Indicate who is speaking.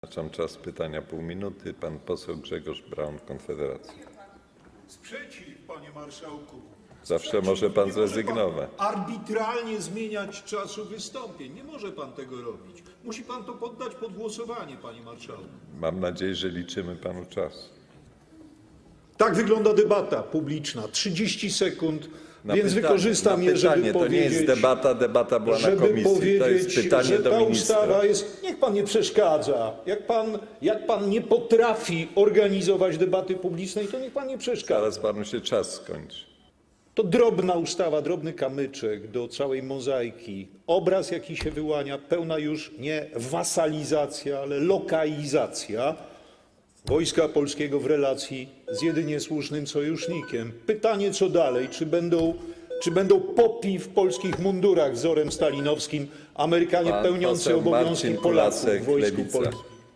Speaker 1: Wyznaczam czas pytania pół minuty. Pan poseł Grzegorz Braun, Konfederacja.
Speaker 2: Sprzeciw, panie marszałku.
Speaker 1: Zawsze
Speaker 2: Sprzeciw.
Speaker 1: może pan
Speaker 2: Nie
Speaker 1: zrezygnować.
Speaker 2: Pan arbitralnie zmieniać czasu wystąpień. Nie może pan tego robić. Musi pan to poddać pod głosowanie, panie marszałku.
Speaker 1: Mam nadzieję, że liczymy panu czas.
Speaker 2: Tak wygląda debata publiczna. 30 sekund,
Speaker 1: Na
Speaker 2: więc
Speaker 1: pytanie,
Speaker 2: wykorzystam
Speaker 1: na
Speaker 2: je, żeby
Speaker 1: pytanie.
Speaker 2: powiedzieć...
Speaker 1: To nie jest debata, debata była na komisji. To jest pytanie
Speaker 2: że
Speaker 1: do
Speaker 2: ta
Speaker 1: ministra.
Speaker 2: ustawa jest... Niech pan nie przeszkadza. Jak pan nie potrafi organizować debaty publicznej, to niech pan nie przeszkadza.
Speaker 1: Zaraz panu się czas skończy.
Speaker 2: To drobna ustawa, drobny kamyczek do całej mozaiki. Obraz, jaki się wyłania, pełna już nie wasalizacja, ale lokalizacja Wojska Polskiego w relacji z jedynie słusznym sojusznikiem. Pytanie, co dalej? Czy będą popi w polskich mundurach wzorem stalinowskim, Amerykanie
Speaker 1: Pan
Speaker 2: pełniący
Speaker 1: poseł
Speaker 2: obowiązki
Speaker 1: Marcin
Speaker 2: Polaków
Speaker 1: Kulasek,
Speaker 2: w Wojsku
Speaker 1: Lewica.
Speaker 2: Polskim?